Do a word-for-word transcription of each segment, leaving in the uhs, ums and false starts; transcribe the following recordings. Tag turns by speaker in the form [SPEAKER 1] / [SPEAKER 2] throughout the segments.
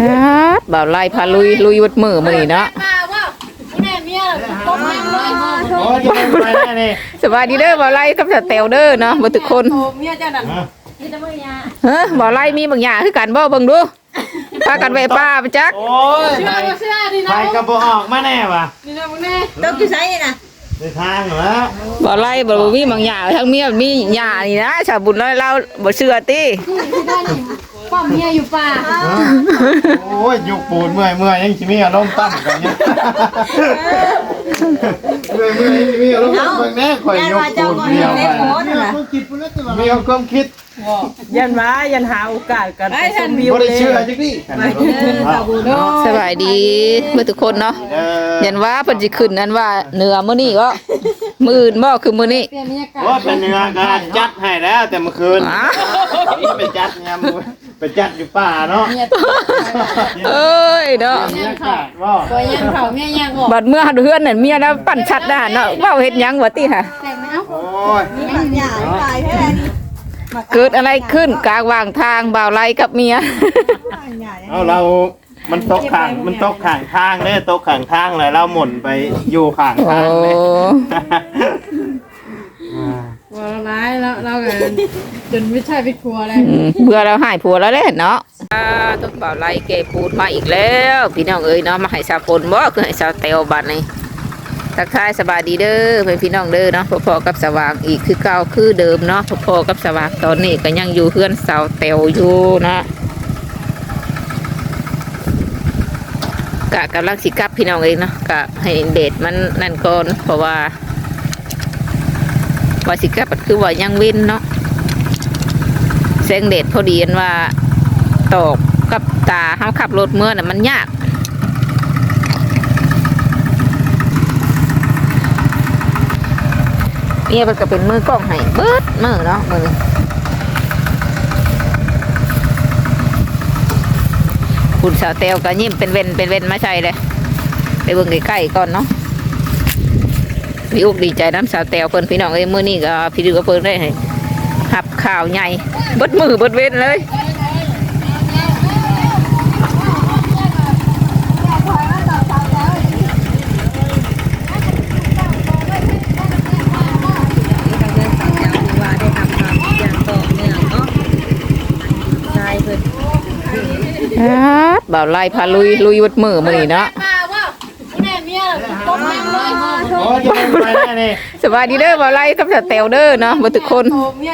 [SPEAKER 1] บ่าวไล่พาลุยลุยวัดมือมือเนาะสบายดีเด้อบ่าวไล่กับสเตลเด้อเนาะบ่ทุกคนเฮ้อบ่าวไล่มีบางอย่างคือกันบ่เบิ่งดูพากันไปป้าไปจัก
[SPEAKER 2] โอ้ยไปกระบอกออกมาแน่วะ
[SPEAKER 3] ต้องกี่ไซส์นะ
[SPEAKER 2] ในทางเหรอ
[SPEAKER 1] บ่าวไล่บ่มีบางอย่างทั้งเมียมีหญ้านี่นะชาวบุญน้อยเราบ่เชื่อติ
[SPEAKER 4] ป้อมเมียอยู่ป่า
[SPEAKER 2] โอ้ยยุกปูนเมื่อยเมื่อยยังชิมีอารมณ์ตั้งกันเนี่ยเมื่อยเมื่อยยังชิมีอารมณ์ตั้งแน่ข่อยยุกปูนเดียวมีความคิด
[SPEAKER 5] ยันมายันหาโอกาสกันไปชมวิวเลย
[SPEAKER 2] เชื่อจังดิ
[SPEAKER 1] สบายดีเมื่อทุกคนเนาะยันว่าเพิ่นสิขึ้นนั้นว่าเหนือมื้อนี้ก็มื้ออื่นบ่คือมื้อนี้
[SPEAKER 2] ว่าเป็นเนื้อการจัดให้แล้วแต่เมื่อคืนไปจัดยามไปจัดอยู่ป่าเนาะ
[SPEAKER 1] เอ้ยเนาะ
[SPEAKER 4] ตัวยังเผาเมียยังออก
[SPEAKER 1] บัดเมื่อเฮือนนั่นเมียแล้วปั่นชัดด้านเนาะเว้าเฮ็ดหยังวะติค่ะ
[SPEAKER 2] โอ้ย
[SPEAKER 1] เกิดอะไรขึ้นกลางวางทางบ่าวไล่กับเมีย
[SPEAKER 2] เอาเรามันตกข้างมันตกข้างทางเด้ตกข้างทางเลยเราหมุนไปอยู่ข้างทางเลย
[SPEAKER 4] ว่าร้ายแล้วเรากันจนไม่ใช่ไปครัวเลย
[SPEAKER 1] เบื่อเราหายผัวแล้วเด้เนาะต้องบ่าวไล่เก็บปูดมาอีกแล้วพี่น้องเอ้ยเนาะมาให้สาวฝนบ่คือให้สาวเตวบัดนี้ทักทายสบายดีเด้อเพื่อนพี่น้องเด้อเนาะพอๆกับสว่างอีกคือเก่าคือเดิมเนาะพอๆกับสว่างตอนนี้ก็ยังอยู่เพื่อนสาวเตวอยู่นะกะกำลังสิกับพี่น้องเองเนาะกะให้เดทมันนั่นก่อนเพราะว่าว่าสิกับคือว่ายังวินเนาะแสงเดทพอดีนว่าตกกับตาเขาขับรถเมื่อน่ะมันยากเนี่ยมันก็เป็นมือกล้องให้เบิดมือเนาะมือคุณสาวเตวก็ยิ้มเป็นเว้นเป็นเว้นมาใช่เลยไปเบิ่งใกล้ๆก่อนเนาะพี่อุกดีใจน้ำสาวเตวเพิ่นพี่น้องเอ้ยมื้อนี้ก็พี่ดูก็เพิ่นได้หับข่าวใหญ่เบิดมือเบิดเว้นเลยบ่าวไล่พาลุยลุยวัดมือมือเนาะสบายดีเด้อบ่าวไล่กับสเตลเด้อเนาะบ่ทุกคน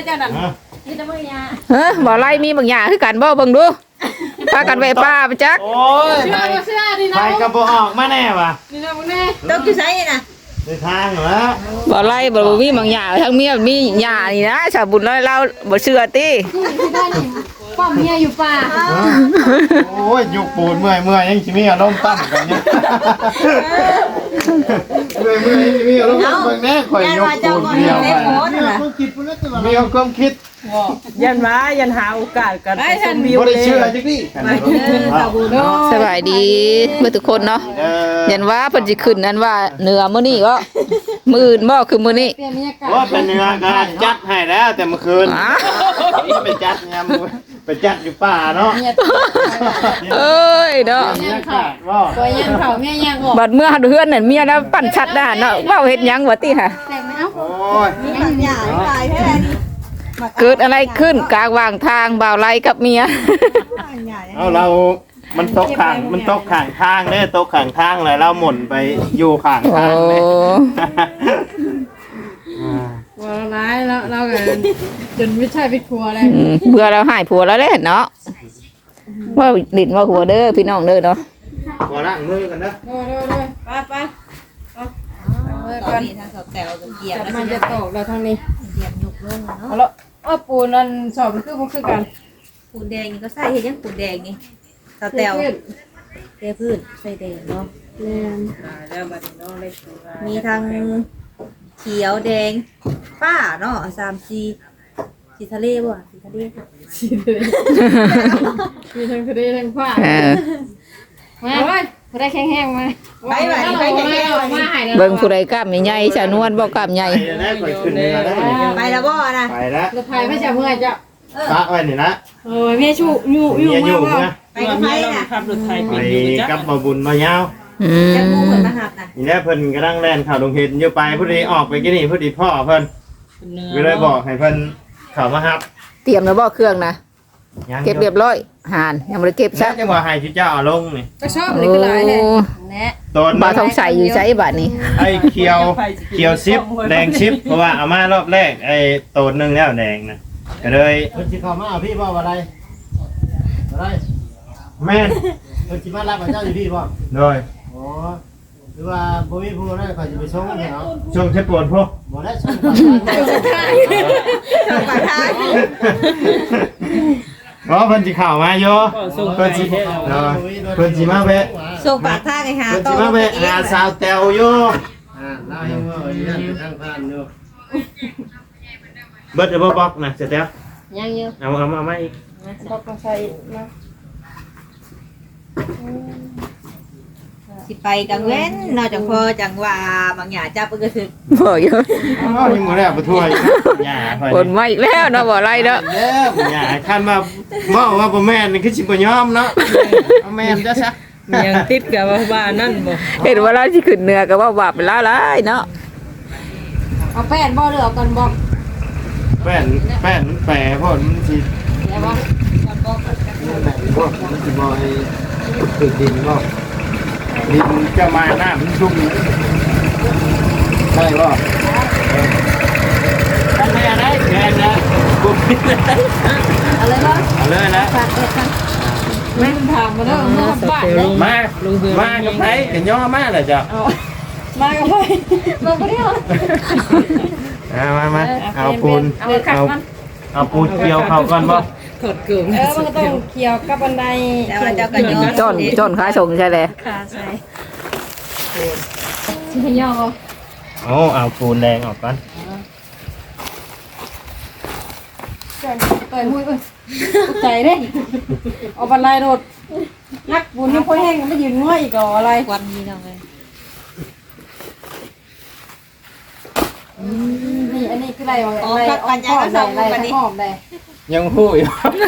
[SPEAKER 1] เฮ้อบ่าวไล่มีบางอย่างคือกันบ่เบิ่งดูพากันไปป้าไปจัก
[SPEAKER 2] โอ้ยไปกระบอกออกมาแน่วะ
[SPEAKER 3] ต้องกี่ไซส์นะ
[SPEAKER 2] ในทางเหรอ
[SPEAKER 1] บ่าวไล่บ่มีบางอย่างทั้งเมียมีหญ้านี่นะชาวบุญน้อยเราบ่เชื่อติ
[SPEAKER 4] ป้อมเมียอยู่ป่า
[SPEAKER 2] โอ้ยยุกปูนเมื่อยเมื่อยยังชิมีอารมณ์ตั้งกันเนี่ยเมื่อยเมื่อยยังชิมีอารมณ์ตั้งแน่ข่อยยุกปูนเดียวมีความคิด
[SPEAKER 5] ยันมายันหาโอกาสกันไปชมวิวเลย
[SPEAKER 2] เชื่อจังดิ
[SPEAKER 1] สบายดีเมื่อทุกคนเนาะยันว่าเพิ่นสิขึ้นนั้นว่าเหนือมื้อนี้ก็มื้ออื่นบ่คือมื้อนี้
[SPEAKER 2] ว่าเป็นเนื้อการจัดให้แล้วแต่เมื่อคืนไปจัดยามไปจัดอยู่ป่าเนาะ
[SPEAKER 1] เอ้ยเนาะ
[SPEAKER 4] ตัวยังเผาเมียยังออก
[SPEAKER 1] บัดเมื่อเฮือนนั่นเมียแล้วปั่นชัดด้านเนาะเว้าเฮ็ดหยังวะติค่ะ
[SPEAKER 2] โอ้ย
[SPEAKER 1] เกิดอะไรขึ้นกลางวางทางบ่าวไล่กับเมีย
[SPEAKER 2] เอาเรามันตกข้างมันตกข้างทางเด้ตกข้างทางเลยเราหมุนไปอยู่ข้างทางเลย
[SPEAKER 4] ว่าร้ายแล้วเรากันจนไม่ใช่ไปครัวเลย
[SPEAKER 1] เบื่อเราหายผัวแล้วเด้เนาะว่าดินว่าหัวเด้อพี่น้องเด้อเนาะ
[SPEAKER 2] ขอล้างมือกันนะ
[SPEAKER 4] เด้อเด้อเด้อไปไป
[SPEAKER 3] ตอนนี้ทางสอบแถวเกียร์
[SPEAKER 4] มันจะตกเราทางนี้
[SPEAKER 3] เกียร์ยกลง
[SPEAKER 4] เอาละอ้อปูนั่นสอบมันคือมันคือกัน
[SPEAKER 3] ปูนแดงนี่ก็ใส่เห็นยังปูนแดงนี่สอบแถวเทพื้นใส่แดงเนาะมีทางเขียวแดงป้าเนาะสามสีสีทะเลบ่สีทะเล
[SPEAKER 4] สีทะเลมีทั้งทะเลทั้งฟ้ามาเว้ยผู้ใดแข็งๆมา
[SPEAKER 3] ไปไปไปแข็งๆ
[SPEAKER 4] มาให้
[SPEAKER 1] เบิ่งผู้ใดกล้ามใหญ่ๆชานวลบ่กล้ามใหญ่
[SPEAKER 3] ไปแล้วบ่นะ
[SPEAKER 2] ไปแล้ว
[SPEAKER 4] รถไฟไม่จะเมื่อยจ้ะ
[SPEAKER 2] ปะไว้นี่นะ
[SPEAKER 4] เออแม่ชูอยู่อยู่
[SPEAKER 2] เมียอยู่
[SPEAKER 4] มา
[SPEAKER 2] นะ
[SPEAKER 3] ไปกับไผน่ะ
[SPEAKER 5] ขับรถไทย
[SPEAKER 2] ไป
[SPEAKER 5] เป็นอยู่จ้ะ
[SPEAKER 2] กับบ่บุญบ่ยาว
[SPEAKER 1] อืม
[SPEAKER 3] จะมูเพิ่นมาหับน่ะ
[SPEAKER 2] นี่แหละเพิ่นกำลังแล่นเข้าโรงเรียนอยู่ไปพอดีออกไปกินนี่พอดีพ่อเพิ่นก็เลยบอกให้เพิ่นเข้ามารับ
[SPEAKER 1] เตรียมแล้วบ่เครื่องนะ
[SPEAKER 2] ยัง
[SPEAKER 1] เก็บเรียบร้อยหานยังบ่ได้เก็บ
[SPEAKER 2] ซะ
[SPEAKER 1] ซะ
[SPEAKER 2] จังว่าให้ชื่อเจ้าเอาลงนี่
[SPEAKER 4] ก็ชอบนี่ก็หลายแท้
[SPEAKER 3] แน่
[SPEAKER 2] ต้น
[SPEAKER 1] บ่าวทองใสอยู่ใช้บัดนี้
[SPEAKER 2] ไอ้เขียวเขียวซิปแดงซิปเพราะว่าเอามารอบแรกไอ้โตนหนึงแล้วแดงนะก็เลย
[SPEAKER 6] เพิ่นสิเข้ามาเอาพี่บ่ว่าไรบ่ได้
[SPEAKER 2] แม่น
[SPEAKER 6] เพิ่นสิมารับพระเจ้าอยู่พี่บ่
[SPEAKER 2] โดย
[SPEAKER 6] อ๋อหรือว่าบ่มีผู้นั้นเขาสิไปส่งให้เนาะ
[SPEAKER 2] ช่วงเช็ดปวดพวก
[SPEAKER 6] บ่ได้ส่งไปทางนั้น
[SPEAKER 3] ทางปากทาง
[SPEAKER 2] เพราะเพิ่นสิเข้ามาอยู่เพิ่นสิเนาะเพิ่นสิมาแวะ
[SPEAKER 3] ส่งปากทางให้หา
[SPEAKER 2] เพิ่น
[SPEAKER 3] ต่
[SPEAKER 2] สิ
[SPEAKER 3] อ
[SPEAKER 2] มาแวะหาสาวแตวอยู่
[SPEAKER 6] อ่าเล่าให้ว่าอยู่นั่นเป็นทางผ่านอยู่
[SPEAKER 2] เบิดเอาบ่บอกนะเสร็จแล้ว
[SPEAKER 4] ยังอยู่
[SPEAKER 2] เอาเอามาเอามาอีก
[SPEAKER 4] บอกมาใส่มา
[SPEAKER 3] สิไปกลางเว้นนอกจากพอจังว่าบางอย่างจับเพิ่นก็ถึก
[SPEAKER 1] บ่อยู่
[SPEAKER 2] อ้าวยังบ่ได้เอาไปถ้วยหญ้าเพิ่น
[SPEAKER 1] คนมาอีกแล้วเนาะบ่ไรเด้อ
[SPEAKER 2] เด้อหญ้าคันว่าเว้าว่าบ่แม่นนี่คือสิบ่ยอมเนาะเอาแม่นซะซะ
[SPEAKER 5] ยังติดกับว่าบ้านนั่นบ่
[SPEAKER 1] เห็นว่าเราสิขึ้นเหนือก็ว่าบาปเป็นลาหลายเนาะ
[SPEAKER 4] เอาแป้นบ่หรือเอากันบ่
[SPEAKER 2] แป้นแป้นแปรพอมันสิ
[SPEAKER 4] แล้วบ่
[SPEAKER 6] แม่นบ่มันสิบ่ให้ถึกดินบ่
[SPEAKER 2] ดินจะมาหน้ามันชุ่ม
[SPEAKER 6] ได้บ่
[SPEAKER 2] ทำไมอะไรแกนะกูปิดเลย
[SPEAKER 3] เอาเลยบ่
[SPEAKER 2] เอาเลยนะ
[SPEAKER 3] ฝากเอ็ดกัน
[SPEAKER 4] แม่นถามมาเด้อเมื่อบ้านเด้อ
[SPEAKER 2] มามากับไผกันย่อมาเลยจ้ะ
[SPEAKER 4] มากับไปมาบ่ได้เหรอ
[SPEAKER 2] เอามามาเอาปูน
[SPEAKER 4] เอาขัด
[SPEAKER 2] เอา
[SPEAKER 4] มัน
[SPEAKER 2] เอาปูนเกี่ยวเข้าก่อนบ่
[SPEAKER 5] ถอดเกลือ
[SPEAKER 4] เออมันก็ต้องเกี่ยวกับบันได
[SPEAKER 3] แต่ว่าเจ้าก็ยอม
[SPEAKER 1] จนจนขาส่งใช่เลย
[SPEAKER 3] ค่ะใช่
[SPEAKER 4] สิให้ย่อ
[SPEAKER 2] โอ้เอาปูนแดงออกก่อน
[SPEAKER 4] ก่อนเปิดหุ้ยเอ้ยตกใจเด้เอาบันไดโดดนักบุญยังค่อยแห้งไม่ยืนง่อยอีกเหรออะไร
[SPEAKER 3] ควันนี่น้องเอ้ย
[SPEAKER 4] นี่อันนี้คืออะไรวะอะไรหอมได้หอมได้
[SPEAKER 2] ยังฮู้อยู่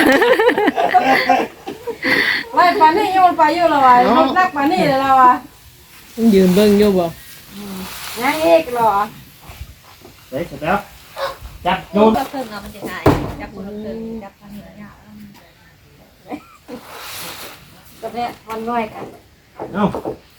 [SPEAKER 4] ไล่ปานนี่โยนไปโยนละวะนักปานนี่เลยละวะ
[SPEAKER 5] ยืนเบิ่งอยู่บ่
[SPEAKER 4] ยังอีกเหรอ
[SPEAKER 2] เฮ้ยเสร็จแล้วจับโยน
[SPEAKER 3] ก็เพิ่งเอามันจะง่ายจับคนละครึ่งจับทางนี้ยาก
[SPEAKER 4] กับเนี่ยวันน้อยกัน
[SPEAKER 2] เอ้า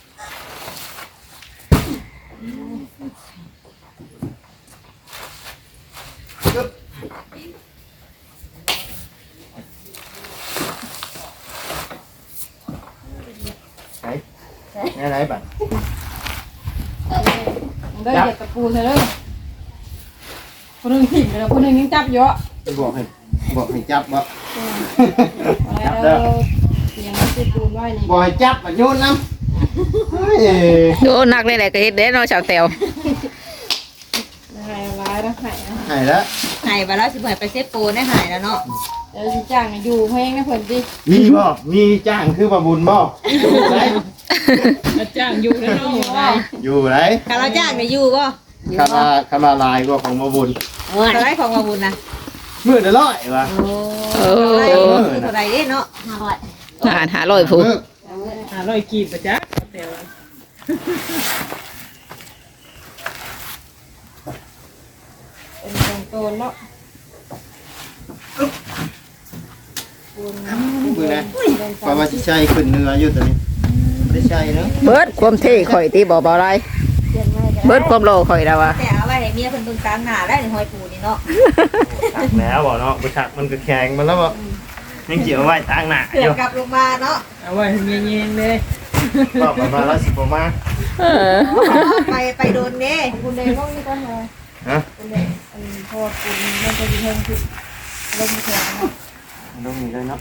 [SPEAKER 2] ไหนไหนบัด
[SPEAKER 4] เด้อเหยียบตะปูเถอะเด้อคนหนึ่งถิ่มเลยคนหนึ่งยังจับเยอะ
[SPEAKER 6] บอกให้บอกให้จับบ่
[SPEAKER 4] อะไรเด้อเสียงมันติดปูนไว้นี่
[SPEAKER 6] บ่ให้จับอ่ะโยนนำเฮ้ย
[SPEAKER 1] โอ้นักเลยแหละก็เฮ็ดได้เนาะชาวแตว
[SPEAKER 4] หายร้ายแล้วหายนะ
[SPEAKER 6] ให้แล้ว
[SPEAKER 3] หายไปแล้วสิบ่ให้ไปเซฟโปได้หายแล้วเนาะ
[SPEAKER 4] เดี๋ยวสิจ้างอยู่เพลงนะเพิ่นสิ
[SPEAKER 2] มีบ่มีจ้างคือบ่บุญบ่อยู่ไหน
[SPEAKER 5] อาจารย์อยู่แล้วเนาะบ่ได้
[SPEAKER 2] อยู่ไหน
[SPEAKER 3] ถ้าเราจ้างได้อยู่บ่
[SPEAKER 2] คำว่าคำว่าลายกว่าของบ่บุญ
[SPEAKER 3] เอออะไรของมาบุญนะ
[SPEAKER 2] มื้อละร้อยว่ะ
[SPEAKER 3] โอ้
[SPEAKER 1] โอ้
[SPEAKER 3] อะไรเท่าไหร่เด้เนาะห้าร้อย
[SPEAKER 1] หาหาร้อยผู้
[SPEAKER 5] หาร้อยกีบบ่จ๊ะแต่ว่า
[SPEAKER 4] เป็นตรงโตนเนาะปูน
[SPEAKER 6] มือนะเพราะว่าสิใช้ขึ้นเนื้ออยู่ตัวนี้บ่ได้ใช้เนาะ
[SPEAKER 1] เบิดความเท่ข่อยตีบ่บ่ไรเบิดความโลข่อยแล้วว่ะ
[SPEAKER 3] แต่เอาไว้ให้เมียเพิ่นเบิ่งกลางหน้าได้นี่หอยปูนี่เนาะ
[SPEAKER 2] ตักแล้วบ่เนาะบ่ชักมันก็แข็งมันแล้วบ่ยังเกี่ยวไว้ทางหน้า
[SPEAKER 3] เผื่
[SPEAKER 2] อ
[SPEAKER 3] อยู่ กลับลงมาเนาะ
[SPEAKER 5] เอาไว้ให้เงี้ยๆเลย
[SPEAKER 2] บอกประมาณละสิบประมาณ
[SPEAKER 1] เออ
[SPEAKER 3] ไปไปโดนเด้
[SPEAKER 4] ปูนแดงต้องนี่ก่อนเลย
[SPEAKER 2] ฮะ
[SPEAKER 4] ปูนแดงอันพอปูนมันจะอยู่เทิงคือลงแข็งเนาะ
[SPEAKER 2] ต้องมีเลยเนาะ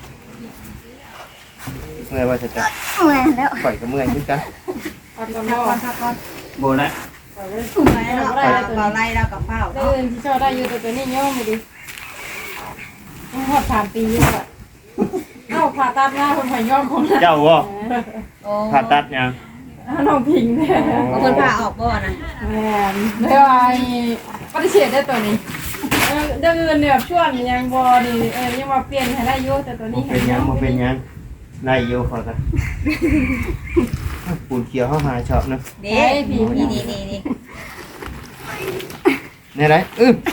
[SPEAKER 2] เมื่อยว่าจะจับข่อยก็เมื่อยเหมือนกัน
[SPEAKER 4] พักก่อนเนาะพักก่อน
[SPEAKER 2] โบนะ
[SPEAKER 3] ถูกไหมเนาะเปล่าไล่แล้วกับเปล่า
[SPEAKER 4] เดิ
[SPEAKER 3] เนาะ
[SPEAKER 4] นที่ชอบได้อยู่แต่ตัวนี้ย่อมดิยังหอดสามปีอยู่อ่ะเอ้าผ่าตัดหน้าคนผ่าย่อมของเรา
[SPEAKER 2] เจ้าบ่
[SPEAKER 3] โอ้
[SPEAKER 2] ผ่าตัดยัง
[SPEAKER 4] น้องพิงเนี่ย
[SPEAKER 3] เพิ่นพาออกบ่นะ
[SPEAKER 4] แม่ได้ว่าปฏิเสธได้ตัวนี้
[SPEAKER 3] โ
[SPEAKER 4] เออเรื่องเงินเนี่ยชวนยังบ่นี่เออยังว่าเปลี่ยนให้ได้อยู่แต่ตัว
[SPEAKER 2] บ่
[SPEAKER 4] นี้
[SPEAKER 2] เป็นหยังบ่เป็นหยังได้อยู่พอกันปูนเขียวเฮาหาชอบเนาะ
[SPEAKER 3] เด้นี่นี่นี่นี่
[SPEAKER 2] นี่ไรอื้อ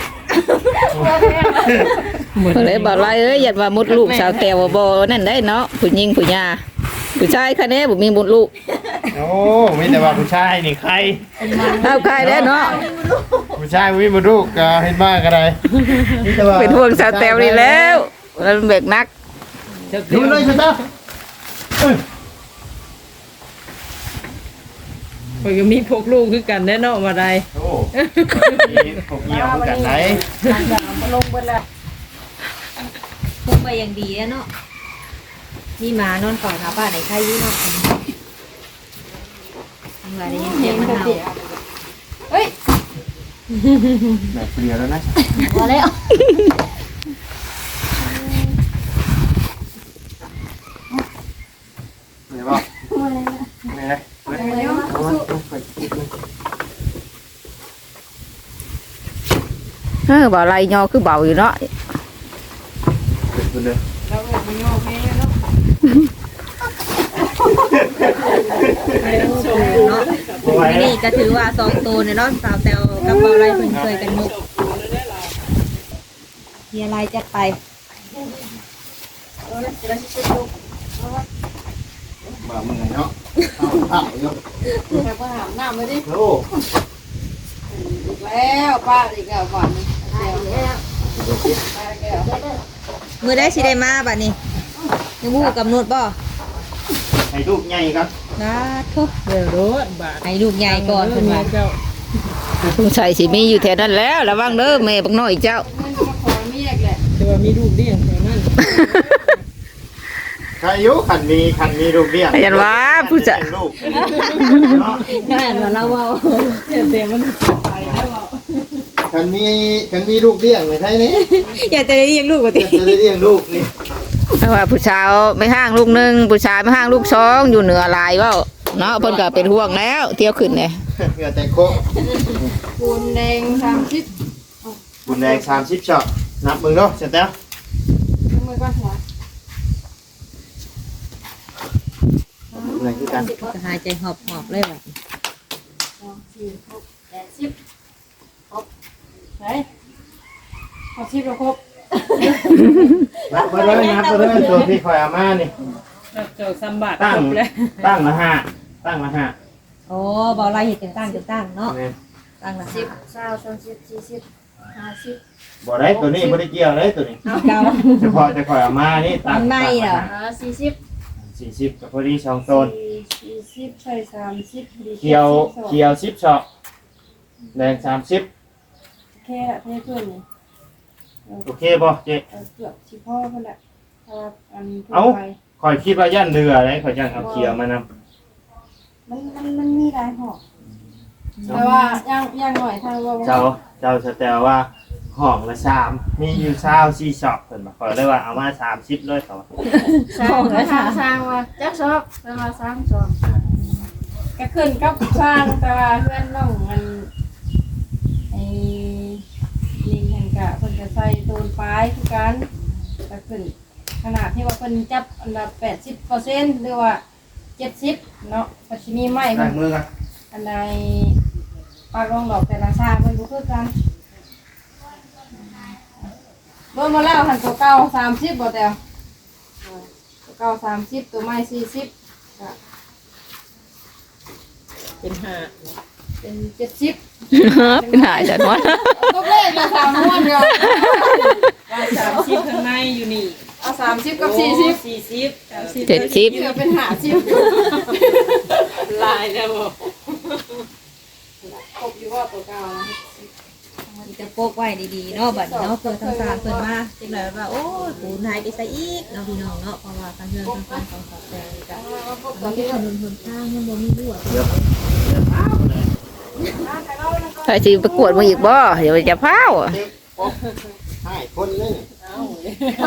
[SPEAKER 1] เพิ่นเลยบอกว่าเอ้ยอย่าว่ามดลูกสาวแตวบ่นั่นได้เนาะผู้หญิงผู้หญิงผู้ชายคะแนนบ่มีมดลูก
[SPEAKER 2] โอ้มีแต่ว่าผู้ชายนี่ใคร
[SPEAKER 1] เอาใครแล้วเนาะ
[SPEAKER 2] ผู้ชายมีบ่ลูกก็เฮ็ดมาก็ได้มีแต่ว่า
[SPEAKER 1] เป็นห่วงสาวแตวนี่แล้วแล้วมันเบกนัก
[SPEAKER 2] ดูเลยสิตาอื้อ
[SPEAKER 5] เพิ่นก็มีพวกลูกคือกันแน่เนาะว่าได้
[SPEAKER 2] โอ้มีพวกเหี่ยวคือกันไหน
[SPEAKER 4] มาลงเบิดแล้ว
[SPEAKER 3] พุ่งไปอย่างดีแล้วเนาะนี่มานอนก่อนหาบ้านไหนใครอยู่เนาะทำไรได้ยังเจ็บมันเอา
[SPEAKER 4] เฮ้ย
[SPEAKER 2] แบบเปลี่ยนแล้วนะ
[SPEAKER 3] พอแล้ว
[SPEAKER 2] เห็นบ่นี่เลยเอามาไปกิน
[SPEAKER 1] เออบ่ไรยอคือเบาอยู่เนาะ
[SPEAKER 2] เป็นเลย
[SPEAKER 4] เราเออมันงอกแม่เนาะ
[SPEAKER 3] เนาะ
[SPEAKER 2] บ่ไหวแล้ว
[SPEAKER 3] นี่ก็ถือว่าสองตัวเนี่ยเนาะสาวแตวกับเบาไรเพิ่นเคยกันมุกมีอะไรจะไป
[SPEAKER 6] บ่มึงไงเนาะเอาเอาอยู่
[SPEAKER 4] แต่ก็หามน้ำมาดิ
[SPEAKER 2] โอ้
[SPEAKER 4] แล้วป้าอีกแล้วก่อนแล้ว
[SPEAKER 3] มือได้สิได้มาบัดนี้ยังมูกำหนดบ่
[SPEAKER 2] ให้ลูกใหญ่ครับ
[SPEAKER 3] นะทุก
[SPEAKER 5] เดี๋ยวรถบาท
[SPEAKER 3] ให้ลูกใหญ่ก่อนเพิ่นว่า
[SPEAKER 5] เจ้า
[SPEAKER 1] สงสัยสิมีอยู่แถวนั้นแล้วระวังเด้อแม่บักน้อยเจ้า
[SPEAKER 4] เงินก็มาขอเมียกแหละ
[SPEAKER 5] แต่ว่ามีลูกเลี้ยงแถวนั้น
[SPEAKER 2] ใครอายุขันมีขันมีลูกเลี้ยง
[SPEAKER 1] ยันว่าผู้จะ
[SPEAKER 2] ลูกเนาะ
[SPEAKER 3] งานว่าเราเว้า
[SPEAKER 5] เต็มมัน
[SPEAKER 6] คันมีคันมีลูกเลี้ยงไว้ไทยนี่
[SPEAKER 3] อยากจะได้เลี้ยงลูกกว่าติ
[SPEAKER 6] จะได้เลี้ยงลูกนี่
[SPEAKER 1] เพราะว่าผู้ชายไม่ห้างลูกหนึงผู้ชายไม่ห้างลูกสองอยู่เหนือหลายเว้าเนาะเพิ่นก็เป็นห่วงแล้วเที่ยวขึ้นเนี่ย
[SPEAKER 6] เหงื่อแต่โค
[SPEAKER 4] ปูนแดงสามสิบ
[SPEAKER 2] บุญแดงสามสิบช็อตนับมึงเนาะเสร็จแล้ว
[SPEAKER 4] มือก็หัว
[SPEAKER 2] อะไรคือกัน
[SPEAKER 3] ก็หายใจหอบๆเลยบัด
[SPEAKER 4] สองสี่หกแปดสิบครบไหนครบสิบแล้วครบ
[SPEAKER 2] นับไปเลยนับไปเลยตัวที่คอยเอามานี่
[SPEAKER 5] เจ้าสมบัติ
[SPEAKER 2] ตั้ง
[SPEAKER 5] จบแล้ว
[SPEAKER 2] ตั้งละห้าตั้งละห้า
[SPEAKER 3] โอ้บ่ไรเฮ็ดจังตั้งจังตั้งเนาะ
[SPEAKER 2] เนี่ย
[SPEAKER 3] ตั้งละ
[SPEAKER 4] สิบเก้าสามสิบสี่สิบห้าสิบ
[SPEAKER 2] บ่ได้ตัวนี้บ่ได้เกี่ยวเลยตัวนี้
[SPEAKER 3] เก่า
[SPEAKER 2] เฉพาะจะคอยเอามานี่ตั้ง
[SPEAKER 3] มันไม่เหรอ
[SPEAKER 4] อ่าสี่สิบ
[SPEAKER 2] สี่สิบกับพอดีสองโซน
[SPEAKER 4] สี่สิบใส่สามสิบดี
[SPEAKER 2] เขียวเขียวสิบช็อตแดงสามสิบ
[SPEAKER 4] แค่เท่าเพื่อนนี่
[SPEAKER 2] โอเคบ่เจ๊
[SPEAKER 4] เกือบชิพ่อเพื่อนแหละถ้าอันทั่
[SPEAKER 2] เอ้า
[SPEAKER 4] วไป
[SPEAKER 2] คอยคิดว่าย่านเรือเลยคอยจังเอาเขียวมาน
[SPEAKER 4] มันมันมันมีหลายห่อแต่ว่าย่างย่างหน่อยทางว่า
[SPEAKER 2] ำเจ้าเจ้าสแตลว่าห้องละสามมีอยู่เช้าสี่ช็อตเพิ่นบอกคอยเลยว่าเอามาสามสิบเลยเขา
[SPEAKER 4] สร้างก็ทางสร้างว่าจักชอบแต่ว่าสร้างชอบก็ขึ้นกับสร้างแต่ว่าเพื่อนน้องมันไอ้ลิงแห่งกะเพิ่นจะใส่โดนปลายคือกันก็ขึ้นขนาดที่ว่าเพิ่นจับอันดับแปดสิบเปอร์เซ็นต์หรือว่าเจ็ดสิบเนาะก็สิมีไม้
[SPEAKER 2] ได้
[SPEAKER 4] เพิ่น
[SPEAKER 2] มือกัน
[SPEAKER 4] อันใดปากรองดอกแต่ละชาเพิ่นบ่คือกันรวมมาแล้วหันตัวเก่าสามสิบบ่แต่ตัวเก่าสามสิบตัวใหม่สี่สิบก็
[SPEAKER 5] เป็นห้า
[SPEAKER 4] เป็นเจ็ดสิบ
[SPEAKER 1] เป็นหายจัดวะ
[SPEAKER 4] ตัวเลขก็สามม้วนเดียว
[SPEAKER 5] ว่าสามสิบข้างในอยู่นี่
[SPEAKER 4] เอาสามสิบกับสี่สิบ
[SPEAKER 5] สี่สิบสามสิบ
[SPEAKER 1] เจ็ดสิบ
[SPEAKER 4] เหลือเป็นห้าสิบ
[SPEAKER 5] ลายแล้วบ่
[SPEAKER 4] ครบอยู่ว่าตัวเก่านะ
[SPEAKER 3] มันจะโปกไว้ดีๆเนาะบัดนี้เนาะเพื่อทางสารเพิ่นมาจังได๋ว่าโอ้ยปูนหายไปซะอีกเนาะพี่น้องเนาะเพราะว่าทางเรื่องทางการของสาวแตวนี่ก็มันมีถนนหนทางยังบ่มีรั่ว
[SPEAKER 1] ถ้าสิประกวดมาอีกบ่เดี๋ยวจะพาว
[SPEAKER 6] ให้คนนึง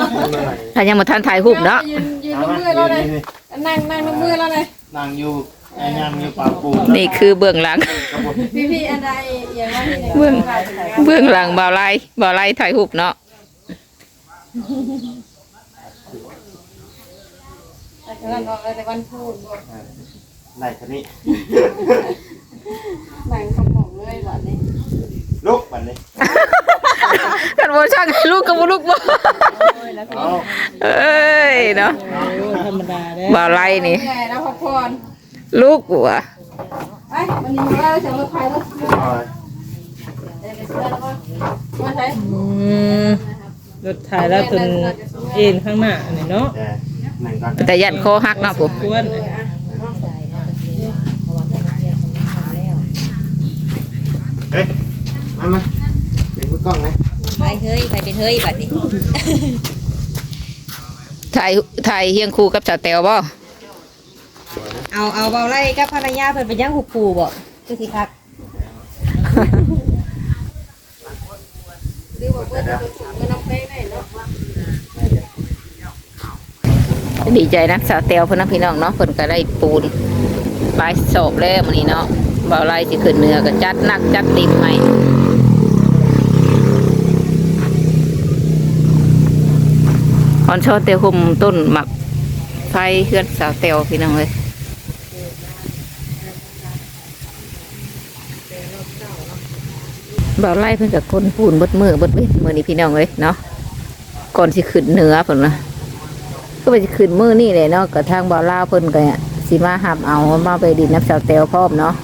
[SPEAKER 1] ถ้ายังบ่ทันถ่ายรูปเนาะ
[SPEAKER 4] ยืนยืนมือเราเลยนั่งนั่งมือเราเลย
[SPEAKER 2] นั่งอยู่ไอ้ยังอยู่ปากปู
[SPEAKER 1] นี่คือเบื้องหลัง
[SPEAKER 4] พี่พี่อันใดอย่างว่าที่ไหน
[SPEAKER 1] เบื้องเบื้องหลังบ่าวไล่บ่าวไล่ถ่ายรูปเนาะ
[SPEAKER 4] แต่วันบอกแต่วันพูด
[SPEAKER 2] ไหนคันนี้
[SPEAKER 4] หนังสมองเลยวันนี้
[SPEAKER 2] ลุกบัดนี้
[SPEAKER 1] กันบ่ช่างให้ลูกกับบ่ลูกบ่
[SPEAKER 2] เอา
[SPEAKER 1] เอ้ยเนาะ
[SPEAKER 5] ธรรมดาเด้
[SPEAKER 1] บ่าวไล่นี่
[SPEAKER 4] เหนื่อยแล้วพักผ่อน
[SPEAKER 1] ลูกบัว
[SPEAKER 4] ไปวันนี้มาเสียงรถไฟรถ
[SPEAKER 2] เอา
[SPEAKER 4] เดี๋ยวไปเชื่อแล้วว่ามาใช้
[SPEAKER 5] อืมรถถ่ายแล้วจนเอ็นข้างหน้านี่เนาะ
[SPEAKER 2] แต่หนึ่งก่อน
[SPEAKER 1] แต่ยันคอหักเนาะผม
[SPEAKER 5] ควร
[SPEAKER 2] เฮ้ยมามาเป็นมือกล้องไหม
[SPEAKER 3] ไปเฮ้ยไปเป็นเฮ้ยบัดนี้
[SPEAKER 1] ถ่ายถ่ายเฮียงคู่กับสาวแตวบ่
[SPEAKER 3] เอาเอาเบาไล่กับภรรยาเพิ่นไปย่างหุบปูบ่คือสิคัก
[SPEAKER 4] ดีกว่าเพื่อนจะถูกเงินน้ำเพลงได้เนาะ
[SPEAKER 1] ดีใจนะสาวแตวเพิ่นนะพี่น้องเนาะเพิ่นก็ได้ปูนปลายศพแล้วมื้อนี้เนาะบ่าวไล่สิขึ้นเหนือก็จัดหนักจัดเต็มให้ออนชอเตวคุมต้นหมักไฟเฮือนสาวแตวพี่น้องเอ้ยบ่าวไล่เพิ่นก็คนปูนเบิดมือเบิดเว้นมื้อนี้พี่น้องเอ้ยเนาะก่อนสิขึ้นเหนือเพิ่นนะก็ไปสิขึ้นมื้อนี่แหละเนาะก็ทางบ่าวลาวเพิ่นก็สิมาหับเอามาไปดินน้ำสาวแตวพร้อมเนาะ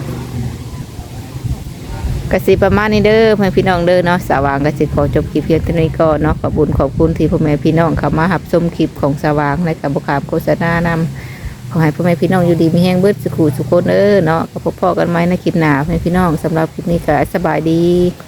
[SPEAKER 1] ก็สิประมาณนี้เด้อเพื่อนพี่น้องเด้อเนาะสว่างก็สิขอจบคลิปเพียงเท่านี้ก่อนเนาะขอบคุณขอบคุณที่พ่อแม่พี่น้องเข้ามาหับชมคลิปของสว่างในกับบุคคลโฆษณานำขอให้พ่อแม่พี่น้องอยู่ดีมีแห้งเบิดสุขุสุขคนเด้อเนาะก็พบพ่อกันไหมในคลิปหน้าพ่อแม่พี่น้องสำหรับคลิปนี้ก็สบายดี